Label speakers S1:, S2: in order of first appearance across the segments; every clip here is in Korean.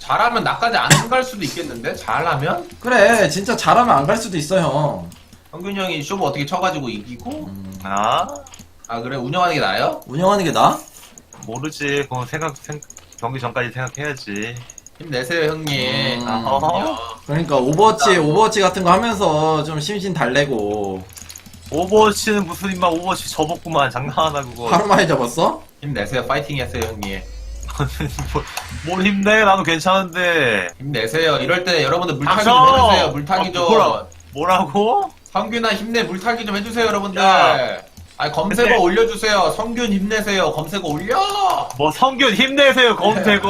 S1: 잘하면 나까지 안 갈 수도 있겠는데? 잘하면?
S2: 그래 진짜 잘하면 안 갈 수도 있어 형.
S1: 성균이 형이 쇼부 어떻게 쳐가지고 이기고?
S3: 아?
S1: 아 그래? 운영하는 게 나아요?
S2: 운영하는 게 나아?
S3: 모르지. 그건 경기 전까지 생각해야지.
S1: 힘내세요 형님.
S3: 어허.
S2: 그러니까 오버워치 같은 거 하면서 좀 심신 달래고.
S3: 오버워치는 무슨 임마 오버워치 접었구만. 장난하나 그거.
S2: 하루 만에 접었어?
S1: 힘내세요. 파이팅 했어요 형님.
S3: 뭘 힘내? 나도 괜찮은데.
S1: 힘내세요. 이럴 때 여러분들 물타기 좀
S3: 닥쳐!
S1: 해주세요. 물타기 좀.
S3: 뭐라고?
S1: 성균아 힘내 물타기 좀 해주세요 여러분들.
S3: 야.
S1: 아니 검색어
S3: 근데-
S1: 올려주세요. 성균 힘내세요. 검색어 올려.
S3: 뭐 성균 힘내세요 검색어.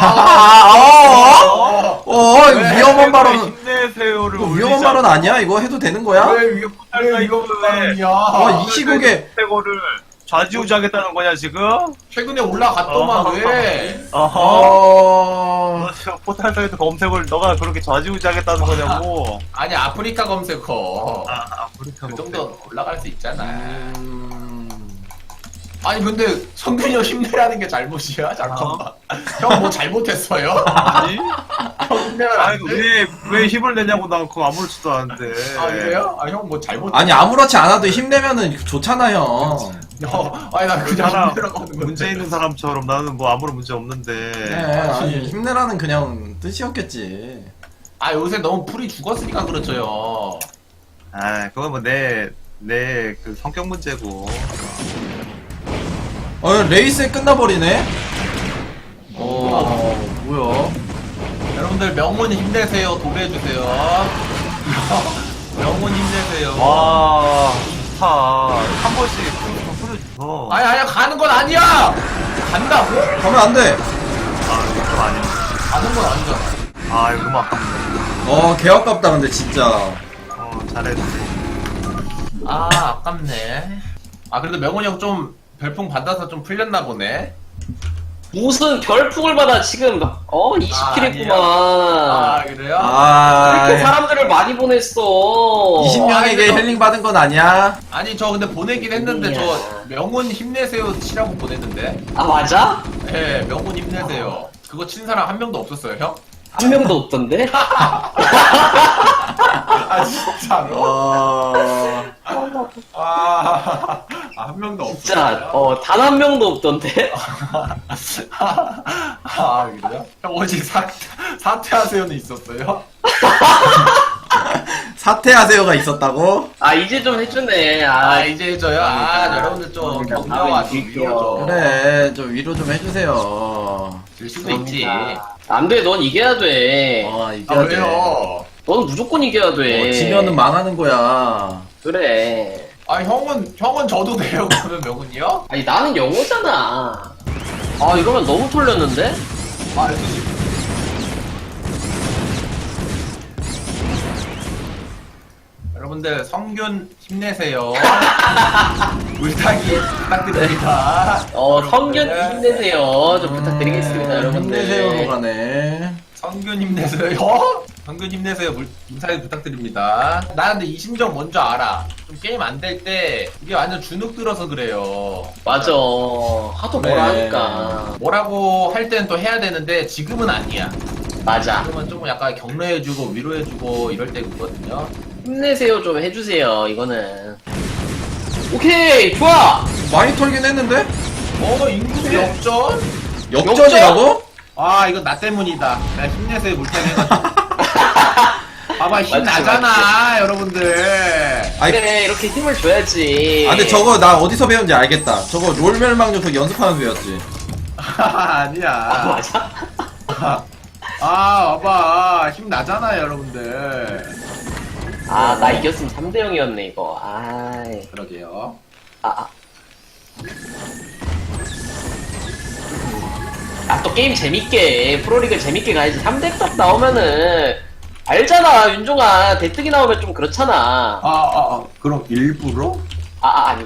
S2: 이거
S1: 왜?
S2: 위험한 발언.
S3: 힘내세요를
S2: 이거 위험한 발언 아니야? 이거 해도 되는 거야?
S1: 왜 이거 발언이야?
S2: 시국에-
S3: 검색어를 좌지우지하겠다는 거냐 지금?
S1: 최근에 올라갔더만 왜?
S3: 어허. 너 지금 포탈사이트 검색을 너가 그렇게 좌지우지하겠다는 거냐고.
S1: 아니 아프리카 검색어.
S3: 아프리카
S1: 그
S3: 검색어.
S1: 정도 올라갈 수 있잖아. 아니 근데 성균이 형 힘내라는 게 잘못이야? 잠깐만. 형 뭐 잘못했어요?
S3: 아니?
S1: 형 힘내면 안
S3: 아니
S1: 돼?
S3: 왜 힘을 내냐고 난 그거 아무렇지도 않은데.
S1: 아 그래요? 아 형 뭐 잘못?
S2: 아니 아무렇지 않아도 힘내면은 좋잖아 형.
S1: 아니 나 그냥
S3: 사람,
S1: 힘내라고 하는 건데.
S3: 문제 있는 사람처럼 나는 뭐 아무런 문제 없는데.
S2: 네, 아니 힘내라는 그냥 뜻이었겠지.
S1: 아 요새 너무 풀이 죽었으니까 그렇죠요.
S3: 아 그건 뭐 내 그 성격 문제고.
S2: 레이스에 끝나버리네. 뭐야?
S1: 여러분들 명문 힘내세요. 도배해주세요. 명문 힘내세요.
S3: 와 좋다. 한 번씩 좀 풀어줘.
S1: 아니 가는 건 아니야. 간다고?
S2: 가면 안 돼.
S3: 아 이거 좀 아니야.
S1: 가는 건 아니잖아.
S3: 아 이거 막
S2: 개 아깝다 근데 진짜.
S3: 잘했지.
S1: 아 아깝네. 아 그래도 명훈이 형 좀 별풍 받아서 좀 풀렸나 보네.
S4: 무슨 별풍을 받아 지금 20킬 했구만.
S1: 아 그래요?
S4: 이렇게 사람들을 많이 보냈어.
S2: 20명에게
S1: 아이고.
S2: 힐링 받은 건 아니야.
S1: 아니 저 근데 보내긴 했는데
S4: 아니야.
S1: 저 명훈 힘내세요 치라고 보냈는데.
S4: 아 맞아?
S1: 네 명훈 힘내세요. 그거 친 사람 한 명도 없었어요 형?
S4: 한 명도 없던데?
S1: 아 진짜로? 한 명도
S4: 진짜
S1: 없었어요?
S4: 단 한 명도 없던데?
S1: 아 그래요? 형 어제 사퇴하세요는 있었어요?
S2: 사퇴하세요가 있었다고?
S4: 아 이제 좀 해주네.
S1: 아 이제 저요? 아 여러분들 좀 격려와 좀 위로 좀
S2: 그래 좀 위로 좀 해주세요.
S1: 질 수도 있지.
S4: 안돼, 넌 이겨야 돼.
S1: 아
S2: 이겨야 돼.
S1: 왜요?
S4: 넌 무조건 이겨야 돼.
S2: 지면은 망하는 거야.
S4: 그래.
S1: 아 형은 저도 돼요 그러면 명훈이요?
S4: 아니 나는 영어잖아. 아 이러면 너무 털렸는데?
S1: 아 알겠지. 여러분들 성균 힘내세요. 물타기 부탁드립니다.
S4: 성균
S1: 여러분들.
S4: 힘내세요. 좀 부탁드리겠습니다, 여러분들.
S2: 힘내세요로 가네.
S1: 성균 힘내세요. 성균 힘내세요. 물타기 부탁드립니다. 나 근데 이 심정 뭔지 알아. 좀 게임 안 될 때 이게 완전 주눅 들어서 그래요.
S4: 맞아. 하도
S2: 그래.
S4: 뭐라 하니까.
S1: 뭐라고 할 때는 또 해야 되는데 지금은 아니야.
S4: 맞아.
S1: 지금은 조금 약간 격려해주고 위로해주고 이럴 때거든요.
S4: 힘내세요 좀 해주세요, 이거는. 오케이, 좋아!
S2: 많이 털긴 했는데?
S1: 인구 역전?
S2: 역전이라고?
S1: 아 이건 나 때문이다. 내가 힘내세요 물타기 해가지고. 봐봐 힘
S4: 맞지,
S1: 나잖아 여러분들.
S2: 아니,
S4: 그래, 이렇게 힘을 줘야지.
S2: 근데 저거 나 어디서 배운지 알겠다. 저거 롤멸망 녀석 연습하면서 배웠지.
S1: 아니야.
S4: 맞아?
S1: 봐봐 힘 나잖아 여러분들.
S4: 아, 나 이겼으면 3대 0이었네, 이거. 아이.
S1: 그러게요.
S4: 또 게임 재밌게, 프로리그 재밌게 가야지. 3대 딱 나오면은, 알잖아, 윤종아. 대뜨기 나오면 좀 그렇잖아.
S1: 그럼 일부러?
S4: 아니,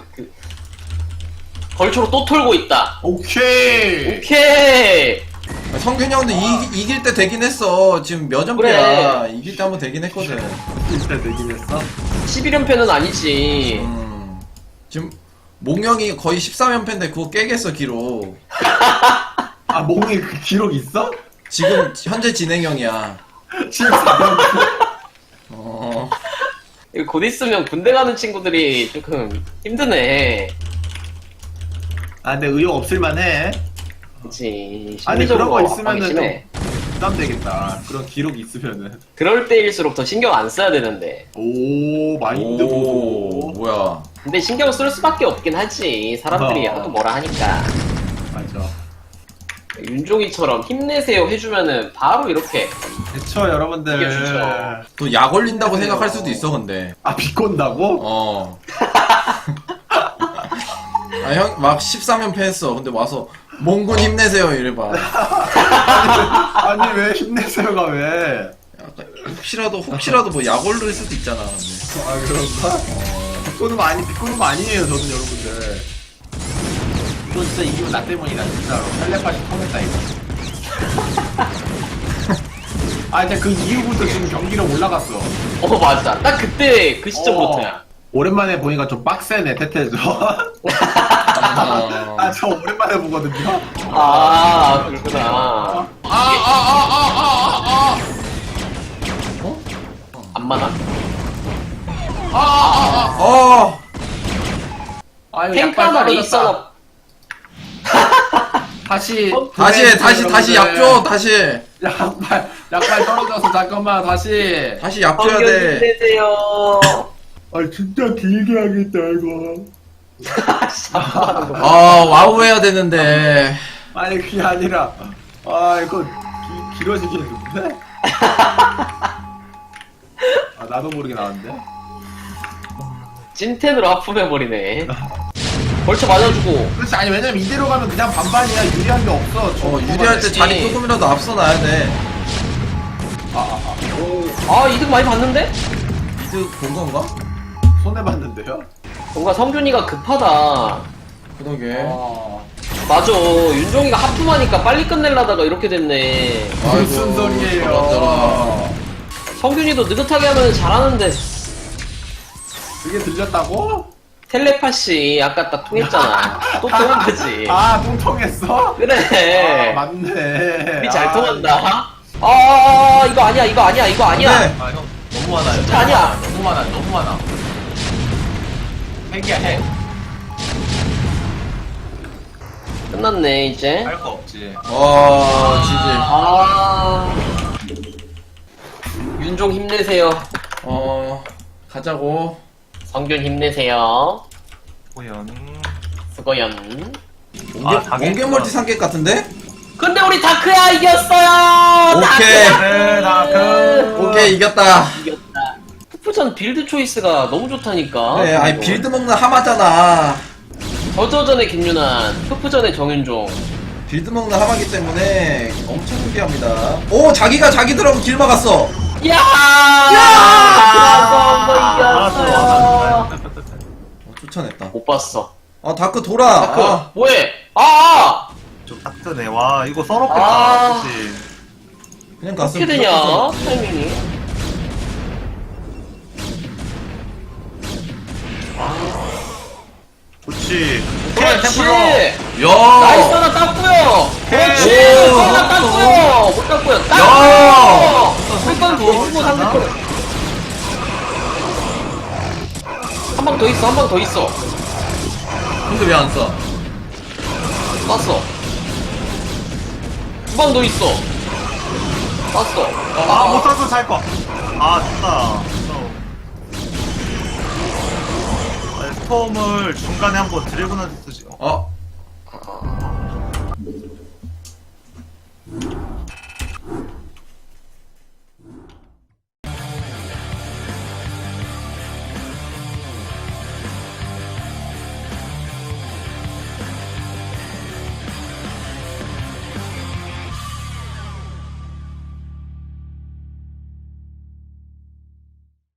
S4: 벌초로 또 털고 있다.
S1: 오케이.
S4: 오케이!
S2: 성균이 형도 이길 때 되긴 했어. 지금 몇 연패야.
S4: 그래.
S2: 이길 때 한번 되긴 했거든.
S1: 진짜 되긴 했어.
S4: 11연패는 아니지.
S2: 지금 몽영이 거의 13연패인데 그거 깨겠어 기록.
S1: 몽이 그 기록 있어?
S2: 지금 현재 진행형이야.
S1: 14년.
S2: 어.
S4: 이거 곧 있으면 군대 가는 친구들이 조금 힘드네.
S3: 아 근데 의욕 없을만해.
S4: 그치.
S3: 아니 그런 거
S4: 심리적으로
S3: 있으면은 좀
S4: 심해.
S3: 부담되겠다. 그런 기록이 있으면은.
S4: 그럴 때일수록 더 신경 안 써야 되는데.
S3: 오 마인드
S2: 오,
S3: 보소.
S2: 뭐야.
S4: 근데 신경 쓸 수밖에 없긴 하지. 사람들이 하도 뭐라 하니까.
S3: 맞아.
S4: 윤종이처럼 힘내세요 해주면은 바로 이렇게.
S3: 그쵸 여러분들.
S4: 이게 좋죠.
S2: 또 약 올린다고 생각할 수도 있어, 근데.
S3: 아 비꼰다고?
S2: 어. 아, 형, 막 13연패 했어. 근데 와서, 몽군 힘내세요, 이래봐.
S3: 아니 왜 힘내세요가 왜?
S2: 약간 혹시라도 뭐 약 올릴 수도 있잖아, 근데.
S3: 아 그런가? 비꼬는 거 아니에요 저는 여러분들.
S1: 이거 진짜 이기면 나 때문이다 진짜로. 텔레파시 통했다 이거. 아 이제 그 이후부터 지금 경기력 올라갔어.
S4: 맞아. 딱 그때 그 시점부터야.
S3: 오랜만에 보니까 좀 빡세네 태태죠.
S2: 어.
S3: 아 저 오랜만에 보거든요.
S4: 아, 그렇구나. 안마나?
S2: 어!
S1: 아 이거
S4: 탱크
S1: 약발
S4: 하나
S1: 떨어졌다.
S4: 레이서나.
S1: 다시
S2: 다시 약 줘, 다시.
S1: 약발 떨어져서 잠깐만 다시.
S2: 다시 약 줘야
S4: 성경
S2: 돼.
S4: 힘내세요.
S3: 아 진짜 길게 하겠다 이거.
S2: 아, 와우 해야 되는데.
S3: 아니 그게 아니라 아 이거 길어지겠는데? 아 나도 모르게 나왔는데?
S4: 찐텐으로 하품해버리네. 벌쳐 맞아주고.
S1: 그렇지 아니 왜냐면 이대로 가면 그냥 반반이야. 유리한 게 없어.
S2: 유리할 때 자리 조금이라도 앞서 놔야 돼.
S4: 이득 많이 봤는데?
S2: 이득 본 건가?
S3: 손해봤는데요?
S4: 뭔가 성균이가 급하다.
S2: 그러게.
S4: 맞아. 윤종이가 하품하니까 빨리 끝내려다가 이렇게 됐네.
S3: 무슨 소리예요?
S4: 성균이도 느긋하게 하면 잘하는데.
S3: 그게 들렸다고?
S4: 텔레파시 아까 딱 통했잖아. 또 통한 거지.
S3: 아 똥통했어?
S4: 그래.
S3: 맞네.
S4: 우리 잘
S3: 아,
S4: 통한다. 이거 아니야, 이거 아니야, 이거 아니야.
S2: 네.
S1: 아 형 너무 많아요.
S4: 진짜 아니야.
S1: 너무 많아. 핵이야 핵.
S4: 끝났네, 이제.
S1: 할 거 없지.
S2: 지지.
S4: 윤종 힘내세요.
S2: 가자고.
S4: 성균 힘내세요.
S3: 고연.
S4: 수고연.
S2: 몽개 멀티 상객 같은데?
S4: 근데 우리 다크야 이겼어요.
S2: 오케이.
S3: 그래 나그
S2: 오케이, 이겼다.
S4: 이겼다. 푸푸전 빌드 초이스가 너무 좋다니까.
S2: 그래, 아니, 빌드 먹는 하마잖아.
S4: 저저전의 김윤환, 푸푸전의 정윤종.
S2: 빌드 먹는 하마기 때문에 엄청 유리합니다. 오, 자기가 자기들하고 길 막았어.
S4: 야! 이겼어요.
S2: 쫓아냈다.
S4: 못 봤어.
S2: 다크 돌아.
S4: 다크
S2: 아,
S4: 뭐해?
S3: 좀 빡드네. 와 이거 썰었겠다.
S4: 아.
S3: 그치?
S2: 그냥
S4: 어떻게
S2: 갔으면
S4: 되냐
S2: 무조건
S4: 타이밍이?
S3: 그렇지.
S4: 그렇지.
S2: 야!
S4: 나이스 하나 땄고요. 그렇지.
S2: 오.
S4: 하나 땄고요. 못 땄고요.
S2: 야.
S4: 땄고요. 한번 더 주고 상대편. 한 방 더 있어. 한 방 더 있어.
S2: 근데 왜 안 써?
S4: 땄어. 두 방 더 있어. 땄어.
S3: 못 쏴도 살 거. 좋다. 스톰을 중간에 한번 드래곤한테 쓰지.
S2: 어?